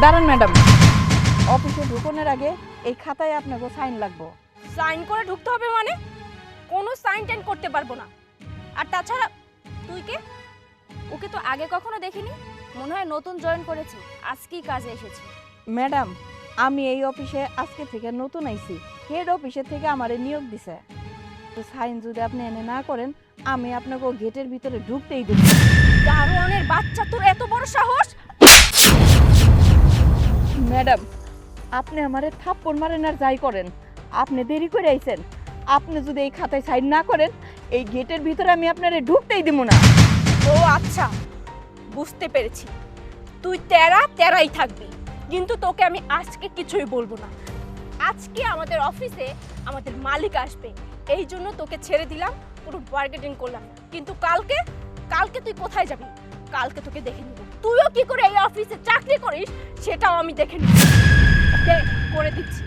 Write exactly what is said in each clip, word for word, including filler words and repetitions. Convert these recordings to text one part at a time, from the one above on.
দাঁড়ান ম্যাডাম, অফিসে ঢুকনের আগে এই খাতায় আপনাকে সাইন লাগবে। সাইন করে ঢুকতে হবে মানে? কোনো সাইন টাইন করতে পারবো না। আর তাছাড়া তুই কে? ওকে তো আগে কখনো দেখিনি, মনে হয় নতুন জয়েন করেছি, আজকেই কাজে এসেছি। ম্যাডাম, আমি এই অফিসে আজকে থেকে নতুন আইছি, হেড অফিসে থেকে আমারে নিয়োগ দিছে। তো সাইন যদি আপনি এনে না করেন, আমি আপনাকে গেটের ভিতরে ঢুকতেই দেব। দারোয়ানের বাচ্চা, তোর এত বড় সাহস! ম্যাডাম, আপনি আমারে থাপ্পড় মারেন আর যাই করেন, আপনি দেরি করে আইছেন। আপনি যদি এই খাতায় সাইন না করেন, এই গেটের ভিতরে আমি আপনারে ঢুকতেই দেব না। ও আচ্ছা, বুঝতে পেরেছি। তুই তেরা তেরাই থাকবি, কিন্তু তোকে আমি আজকে কিছুই বলবো না। আজকে আমাদের অফিসে আমাদের মালিক আসবে, এই জন্য তোকে ছেড়ে দিলাম, কোনো বার্গেনিং করলাম না। কিন্তু কালকে কালকে তুই কোথায় যাবি? কালকে তোকে দেখে নিব। তুইও কি করে এই অফিসে চাকরি করিস সেটাও আমি দেখে নিব। দেখ, করে দিচ্ছি।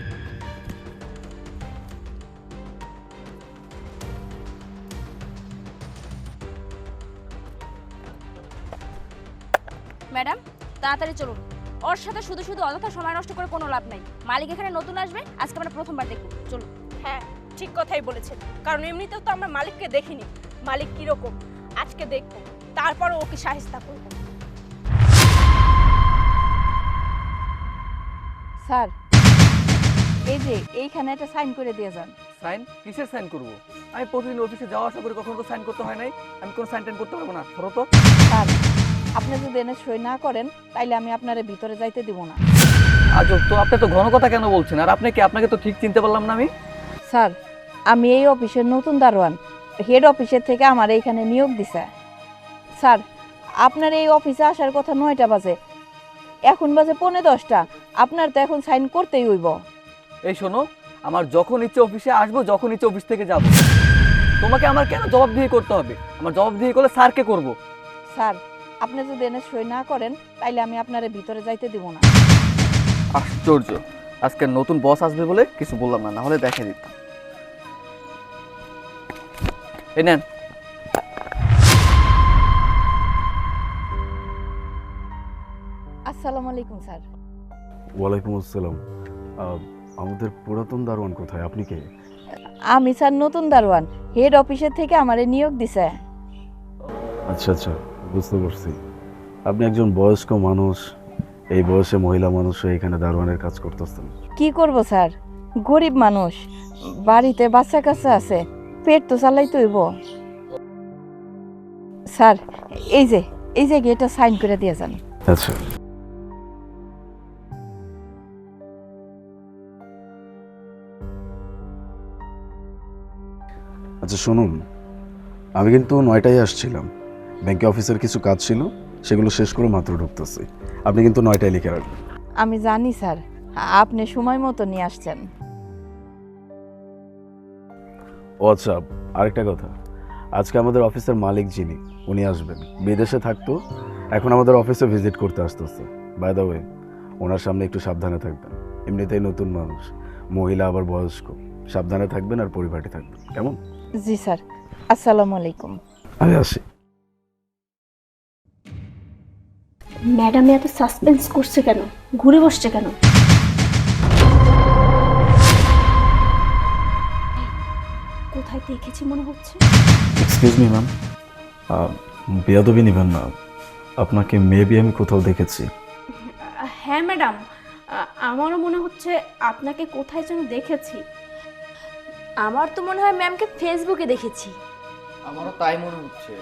ম্যাডাম, তাড়াতাড়ি চলুন। ওর সাথে শুধু শুধু অযথা সময় নষ্ট করে কোনো লাভ নাই। মালিক এখানে নতুন আসবে, আজকে আমরা প্রথমবার দেখব। চলুন। হ্যাঁ, ঠিক কথাই বলেছেন, কারণ এমনিতেও তো আমরা মালিককে দেখিনি। মালিক কিরকম আজকে দেখব, তারপর ওকে শায়েস্তা করব। স্যার, এই যে এইখানে একটা সাইন করে দিয়ে যান। সাইন? কিসের সাইন করবো? আমি প্রতিদিন অফিসে যাওয়া আসা করে কখনো তো সাইন করতে হয় নাই। আমি কোনো সাইন টাইন করতে পারবো না, ধরো তো। স্যার, আপনি যদি এনে সই না করেন, তাইলে আমি আপনারে ভিতরে যাইতে দিব না। আজব তো, আপনি তো ঘন কথা কেন বলছেন? আর আপনি কি? আপনাকে তো ঠিক চিনতে পারলাম না আমি। স্যার, আমি এই অফিসের নতুন দারোয়ান, হেড অফিসের থেকে আমার এইখানে নিয়োগ দিছে। স্যার, আপনার এই অফিসে আসার কথা নয়টা বাজে, এখন বাজে পৌনে দশটা। আপনার তো এখন সাইন করতেই হইব। এই শোনো, আমার যখন ইচ্ছে অফিসে আসবো, যখন ইচ্ছে অফিস থেকে যাব। তোমাকে আমার কেন জবাবদিহি করতে হবে? আমার জবাবদিহি করলে স্যারকে করব। স্যার, আপনি যদি এনে সই না করেন, তাইলে আমি আপনারে ভিতরে যাইতে দিব না। আশ্চর্য, আজকে নতুন বস আসবে বলে কিছু বললাম না, না হলে দেখে দিতাম। এই নেন। আসসালামু আলাইকুম স্যার। ওয়ালাইকুম আসসালাম। আহ, আমাদের পুরাতন দারোয়ান কোথায়? আপনি কে? আমি স্যার নতুন দারোয়ান, হেড অফিসের থেকে আমারে নিয়োগ দিছে। আচ্ছা আচ্ছা, বুঝতে পারছি। আপনি একজন বয়স্ক মানুষ, এই বয়সে মহিলা মানুষ হয়ে এখানে দারোয়ানের কাজ করতেছেন। কি করব স্যার, গরিব মানুষ, বাড়িতে বাচ্চা কাচ্চা আছে, পেট তো চালাইতে হইব। স্যার, এই যে এই যে এটা সাইন করে দিয়ে যান। আচ্ছা, আচ্ছা শুনুন, আমি কিন্তু নয়টায় আসছিলাম, ব্যাংকে অফিসের কিছু কাজ ছিল, সেগুলো শেষ করে মাত্র ঢুকতেছি। আপনি কিন্তু নয়টায় লিখে রাখবেন। আমি জানি স্যার, আপনি সময় মতো নিয়ে আসছেন। ও আচ্ছা, আরেকটা কথা, আজকে আমাদের অফিসের মালিক যিনি, উনি আসবেন। বিদেশে থাকতো, এখন আমাদের অফিসে ভিজিট করতে আসতেছে। বাই দ্য ওয়ে, ওনার সামনে একটু সাবধানে থাকবেন। এমনিতেই নতুন মানুষ, মহিলা আবার বয়স্ক, সাবধানে থাকবেন আর পরিপাটি থাকবেন, কেমন? জি স্যার, আসসালামু আলাইকুম। আমি আসি। ম্যাডাম এত সাসপেন্স করছে কেন? ঘুরে বসছে কেন? কোথায় দেখেছি মনে হচ্ছে? এক্সকিউজ মি ম্যাম, বেয়াদবি নেবেন না, আপনাকে মেবি আমি কোথাও দেখেছি। হ্যাঁ ম্যাডাম, আমারও মনে হচ্ছে আপনাকে কোথায় যেন দেখেছি। আমার তো মনে হয় ম্যামকে ফেসবুকে দেখেছি। আমারও তাই মনে হচ্ছে।